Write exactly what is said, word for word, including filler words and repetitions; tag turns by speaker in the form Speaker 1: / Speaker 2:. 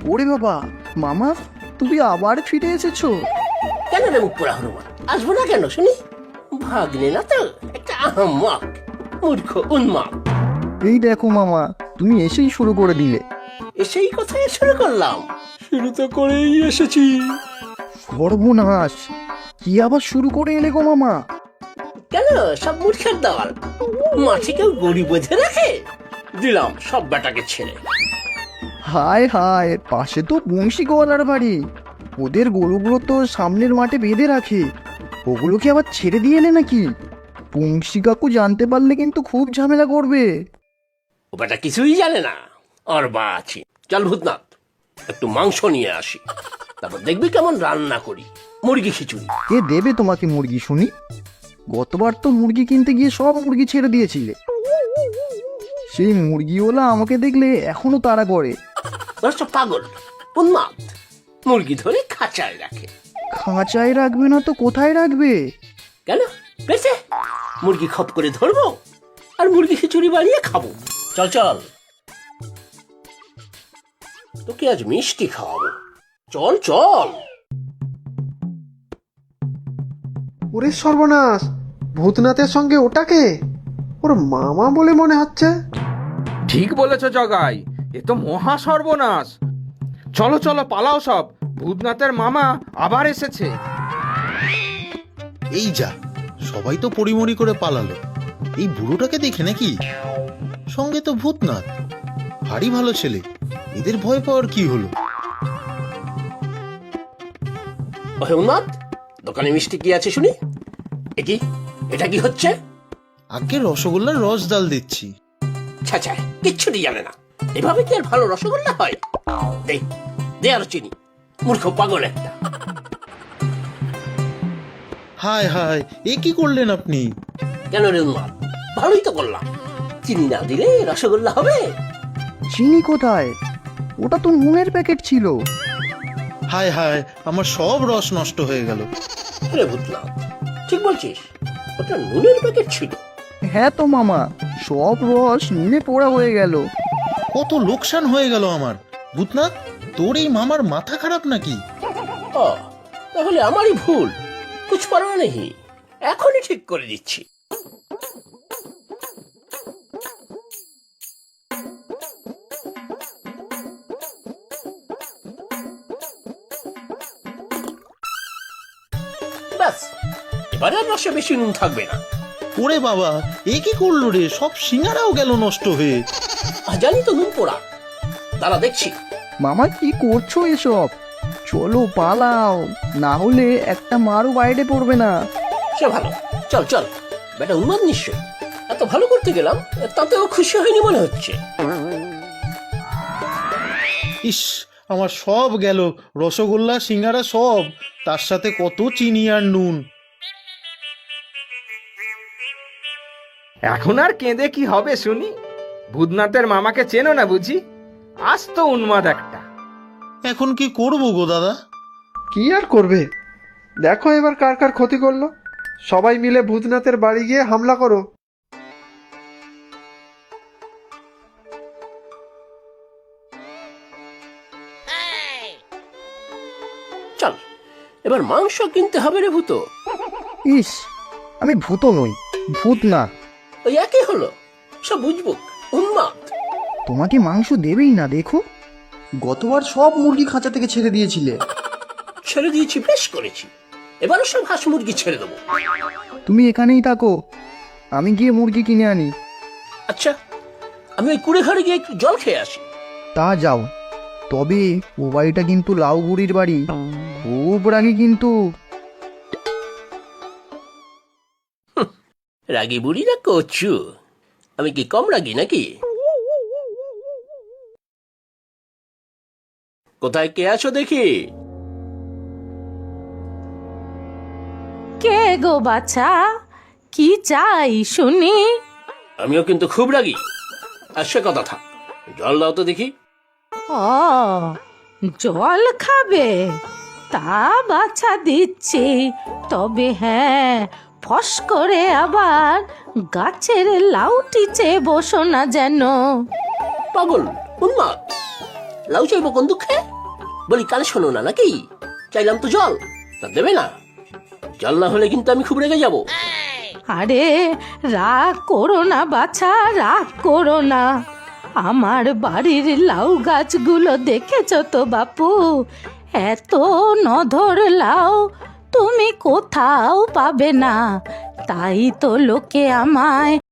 Speaker 1: ওরে বাবা, মামা তুমি আবার ফিরে এসেছো?
Speaker 2: কেন রে মুখ পোড়া হনুমান, আসবো না কেন শুনি? ভাগ্নে না তো একটা আহম্মক, মূর্খ উন্মাদ।
Speaker 1: এই দেখো মামা, তুমি এসেই শুরু করে দিলে।
Speaker 2: এসেই কোথায় শুরু করলাম? শুরু তো করেই এসেছি।
Speaker 1: সর্বনাশ, কি আবার শুরু করে এলে গো মামা?
Speaker 2: কেন সব মূর্খের দল, মাঠে কেউ গড়ি বেঁধে রাখে? দিলাম সব বেটাকে ছেড়ে।
Speaker 1: হায় হায়, পাশে তো বংশী গোয়ালার বাড়ি। ওদের গরুগুলো তো সামনের মাঠে বেঁধে রাখে, ওগুলোকে আবার ছেড়ে দিয়ে এলে নাকি? বংশী কাকু জানতে পারলে কিন্তু খুব ঝামেলা করবে।
Speaker 2: ও বেটা কিছুই জানে না, আর বা আছি। চল ভূতনাথ, একটু মাংস নিয়ে আসি, তারপর দেখবি কেমন রান্না করি মুরগি খিচুড়ি।
Speaker 1: কে দেবে তোমাকে মুরগি শুনি? গতবার তো মুরগি কিনতে গিয়ে সব মুরগি ছেড়ে দিয়েছিলে। সেই মুরগিওয়ালা আমাকে দেখলে এখনো তাড়া করে।
Speaker 2: দশটা পাগল উন্মাদ, মুরগি ধরে খাঁচায় রাখে।
Speaker 1: খাঁচায় রাখবে না তো কোথায় রাখবে?
Speaker 2: কেন বেঁচে মুরগি খপ করে ধরবো আর মুরগি খিচুড়ি বানিয়ে খাবো। চল চল, তোকে আজ মিষ্টি খাওয়াবো, চল চল।
Speaker 3: ওরে সর্বনাশ, ভূতনাথের সঙ্গে ওটাকে ওর মামা বলে মনে হচ্ছে।
Speaker 4: ঠিক বলেছ জগাই, এ তো মহা সর্বনাশ। চলো চলো পালাও সব, ভূতনাথের মামা আবার এসেছে।
Speaker 5: এই যা, সবাই তো পরিমরি করে পালালো। এই বুড়োটাকে দেখে নাকি? সঙ্গে তো ভূতনাথ, ভারী ভালো ছেলে। এদের ভয় পাওয়ার কি হলো?
Speaker 2: ওহে উন্মাদ, দোকানে মিষ্টি কি আছে শুনি? এ কি, এটা কি হচ্ছে?
Speaker 5: আগে রসগোল্লার রস ডাল দিচ্ছি।
Speaker 2: ছ্যা, কিচ্ছুটি জানে না। এভাবে কি আর ভালো রসগোল্লা হয়? দে দে আরো চিনি, মূর্খ পাগল একটা।
Speaker 5: হায় হায়, এ কি করলেন আপনি?
Speaker 2: কেন রে উন্মাদ, ভালোই তো করলাম। চিনি না দিলে রসগোল্লা হবে?
Speaker 1: চিনি কোথায়? ওটা তো নুনের প্যাকেট ছিল।
Speaker 5: হায় হায়, আমার সব রস নষ্ট হয়ে গেল।
Speaker 2: রে ভূতনাথ, ঠিক বলছিস, ওটা নুনের প্যাকেট ছিল।
Speaker 1: হ্যাঁ তো মামা, সব রস নুনে পোড়া হয়ে গেল।
Speaker 5: কত লোকসান হয়ে গেল আমার। ভূতনাথ, তোর এই মামার মাথা খারাপ নাকি?
Speaker 2: ও, তাহলে আমারই ভুল। কুছ পারোয়া নেই, এখনই ঠিক করে দিচ্ছি। ব্যাস, এবারে আর রসে বেশি নুন থাকবে না।
Speaker 5: ওরে বাবা, এ কি করলো রে? সব সিঙ্গারাও গেল নষ্ট হয়ে।
Speaker 2: আহ, জানি তো নুন পোড়া, দাঁড়া দেখছি।
Speaker 1: মামা কি করছো এসব? চলো পালাও, না হলে একটা মারও বাইরে পড়বে না।
Speaker 2: সে ভালো, চল চল। বেটা উন্মাদ নিশ্চয়, এত ভালো করতে গেলাম, তাতেও খুশি হয়নি মনে হচ্ছে।
Speaker 5: ইস, আমার সব গেল, রসগোল্লা সিঙ্গারা সব, তার সাথে কত চিনি আর নুন।
Speaker 4: এখন আর কেঁদে কি হবে শুনি? ভূতনাথের মামাকে চেনো না বুঝি? আজ তো উন্মাদ একটা।
Speaker 5: এখন কি করবো গো দাদা?
Speaker 3: কি আর করবে, দেখো এবার কার কার ক্ষতি করলো। সবাই মিলে ভূতনাথের বাড়ি গিয়ে হামলা করো।
Speaker 2: চল, এবার মাংস কিনতে হবে রে ভূত।
Speaker 1: ইস, আমি ভূত নই, ভূত না।
Speaker 2: ওই একই হলো, সব বুঝবো। উন্মাদ,
Speaker 1: তোমাকে মাংস দেবেই না দেখো। গতবার সব মুরগি খাঁচা থেকে ছেড়ে দিয়েছিলে।
Speaker 2: ছেড়ে দিয়েছি, বেশ করেছি। এবারও সব হাঁস মুরগি ছেড়ে দেবো।
Speaker 1: তুমি এখানেই থাকো, আমি গিয়ে মুরগি কিনে আনি।
Speaker 2: আচ্ছা, আমি ওই কুড়ে ঘরে গিয়ে একটু জল খেয়ে আসি।
Speaker 1: তা যাও, তবে ও বাড়িটা কিন্তু লাউ বুড়ির বাড়ি, খুব রাগী কিন্তু।
Speaker 2: রাগি বুড়ি না কচু, আমি কি কম রাগি নাকি? কোথায় কে আছো দেখি?
Speaker 6: কে গো বাছা, কি চাই শুনি?
Speaker 2: আমিও কিন্তু খুব রাগি। আর সে কথা থাক, জল দাও তো দেখি।
Speaker 6: ও, জল খাবে? তা বাছা দিচ্ছি, তবে হ্যাঁ, ফস করে আবার গাছের লাউটি চেয়ে বসো না যেন।
Speaker 2: পাগল উন্মাদ, লাউ চাইবো কোন দুঃখে? বলি কানে শোনো না নাকি? চাইলাম তো জল, তা দেবে না? জল না হলে কিন্তু আমি খুব রেগে যাব।
Speaker 6: আরে রাগ করো না বাছা, রাগ করো না। আমার বাড়ির লাউ গাছগুলো দেখেছ তো বাপু, এত নধর লাউ তুমি কোথাও পাবে না। তাই তো লোকে আমায়